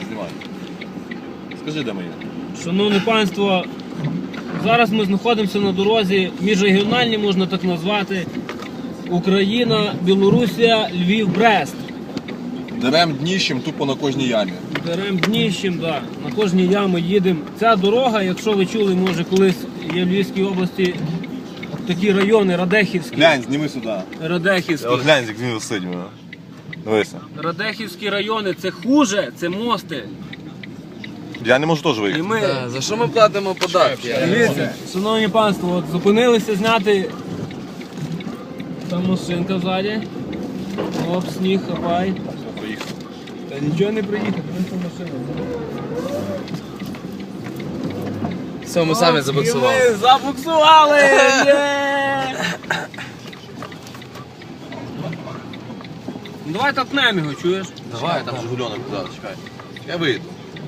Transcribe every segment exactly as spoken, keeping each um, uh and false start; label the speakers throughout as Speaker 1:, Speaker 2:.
Speaker 1: знімай. Скажи, де ми є?
Speaker 2: Шановне панство, зараз ми знаходимося на дорозі міжрегіональній, можна так назвати, Україна, Білорусія, Львів, Брест.
Speaker 1: Дерем дніщем тупо на кожній ямі.
Speaker 2: Дерем дніщем, да. На кожній ямі їдемо. Ця дорога, якщо ви чули, може колись є в Львівській області такі райони, Радехівські.
Speaker 1: Глянь, зніми сюди.
Speaker 2: Радехівські.
Speaker 1: От глянь, як він висить. Дивися.
Speaker 2: Радехівські райони, це хуже, це мости.
Speaker 1: Я не можу теж
Speaker 2: І
Speaker 1: виїхати.
Speaker 2: ми,
Speaker 3: Да, за що ми платимо податки?
Speaker 2: дивіться, шановні панство, от зупинилися зняти. Там машинка ззаді. Оп, сніг, хапай.
Speaker 1: Поїхали.
Speaker 2: Та нічого не приїхати, просто машина.
Speaker 3: Все, ми самі забуксували.
Speaker 2: І ми забуксували! Є! Ну, давай толкнемо його, чуєш?
Speaker 1: Давай, там Жигульонок, да, чекай. Я вийду.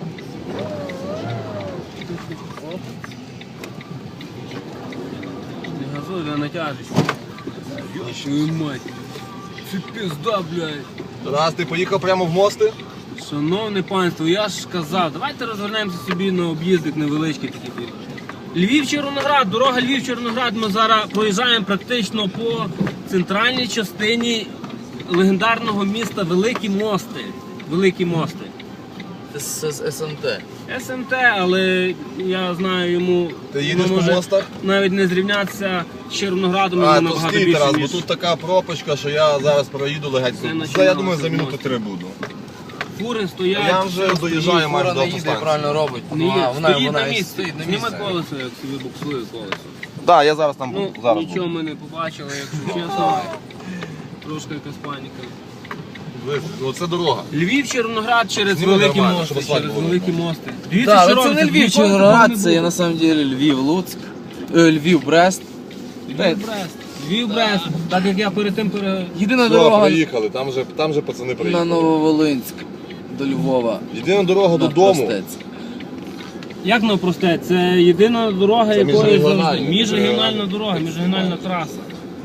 Speaker 2: Не газуй, не натяжиш. Йошую мать. Це пизда, блядь.
Speaker 1: Раз ти поїхав прямо в мости?
Speaker 2: Шановне панство, я ж казав, давайте розвернемося собі на об'їздик невеличкий такий. Львів-Червоноград, дорога Львів-Червоноград, ми зараз проїжджаємо практично по центральній частині легендарного міста Великі Мости. Великі Мости.
Speaker 3: Це з СНТ.
Speaker 2: СМТ, але я знаю йому,
Speaker 1: Ти їдеш
Speaker 2: воно
Speaker 1: по
Speaker 2: може
Speaker 1: мостах?
Speaker 2: навіть не зрівнятися з Червоноградом,
Speaker 1: А,
Speaker 2: воно
Speaker 1: тут
Speaker 2: набагато
Speaker 1: стій,
Speaker 2: більше,
Speaker 1: Тарас, бо
Speaker 2: ніж
Speaker 1: тут така пропачка, що я зараз проїду легень.
Speaker 2: Це
Speaker 1: Це,
Speaker 2: починалося
Speaker 1: я думаю, за
Speaker 2: в
Speaker 1: минути
Speaker 2: мості.
Speaker 1: три буду.
Speaker 2: фури стоять.
Speaker 1: Я вже доїжджаю майже
Speaker 3: Фура
Speaker 1: до
Speaker 3: не їде,
Speaker 1: автостанції.
Speaker 3: правильно робить.
Speaker 2: Не
Speaker 3: Вона,
Speaker 2: є,
Speaker 3: вона,
Speaker 2: стоїть
Speaker 3: вона
Speaker 2: на
Speaker 3: і
Speaker 2: місці.
Speaker 3: стоїть на
Speaker 2: Зніми
Speaker 3: місці.
Speaker 2: колесо, як собі буксує колесо.
Speaker 1: Так, да, я зараз там
Speaker 2: Ну,
Speaker 1: буду. Зараз
Speaker 2: нічого
Speaker 1: буду.
Speaker 2: ми не побачили, якщо чесно. Трошки якась паніка.
Speaker 1: Дивись, ну, це дорога.
Speaker 2: Львів, Червоноград через
Speaker 1: Зніми
Speaker 2: великі
Speaker 1: нормально,
Speaker 2: мости,
Speaker 1: щоб асфальт
Speaker 2: через
Speaker 1: було
Speaker 2: великі
Speaker 1: нормально.
Speaker 2: мости. Дивіться,
Speaker 3: Так,
Speaker 2: що
Speaker 3: але це
Speaker 2: робиться.
Speaker 3: не Львів,
Speaker 2: Ніколи такого
Speaker 3: Червоноград,
Speaker 2: не
Speaker 3: це є
Speaker 2: було.
Speaker 3: на самом деле Львів, Луцьк, е, Львів, Брест.
Speaker 2: Львів, Брест. Львів, Брест. Так як я перед тим пере...
Speaker 3: Єдина
Speaker 1: Все,
Speaker 3: дорога
Speaker 1: приїхали, там вже, там вже пацани
Speaker 3: на
Speaker 1: приїхали.
Speaker 3: Нововолинськ до Львова.
Speaker 1: Єдина дорога
Speaker 3: на
Speaker 1: додому.
Speaker 3: Простець.
Speaker 2: Як навпросте? Це єдина дорога,
Speaker 1: Це
Speaker 2: якої
Speaker 1: міжрегіональна.
Speaker 2: завжди. Міжрегіональна дорога, міжрегіональна траса.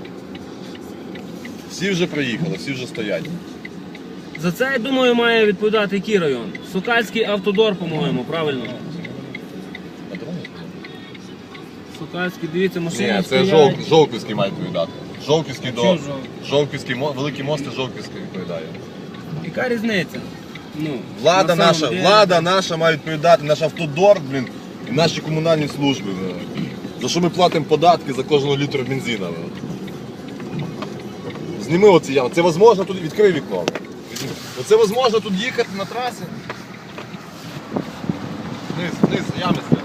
Speaker 1: Всі вже приїхали, всі вже стоять.
Speaker 2: За це, я думаю, має відповідати який район? Сокальський автодор, по-моєму, правильно? Сокальський, дивіться, машини
Speaker 1: Ні, це
Speaker 2: стоять.
Speaker 1: Жов... Жовківський має відповідати. Жовківський до...
Speaker 2: Чого Жовківський?
Speaker 1: Жовківський, мо- великі мости Жовківський відповідає.
Speaker 2: Яка різниця? Ну,
Speaker 1: Влада
Speaker 2: на
Speaker 1: наша,
Speaker 2: самом деле.
Speaker 1: влада наша має відповідати, наш автодор, блін, і наші комунальні служби. блін. За що ми платимо податки за кожного літру бензина. блін. Зніми оці ями. Це можливо тут, відкрий вікно. Візьми. Оце можливо тут їхати на трасі. Вниз, вниз, ями стоять.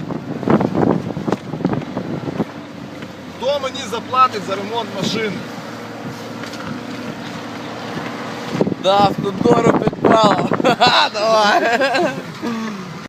Speaker 1: Хто мені заплатить за ремонт машини?
Speaker 3: Да, автодору підпало. Ха-ха, давай.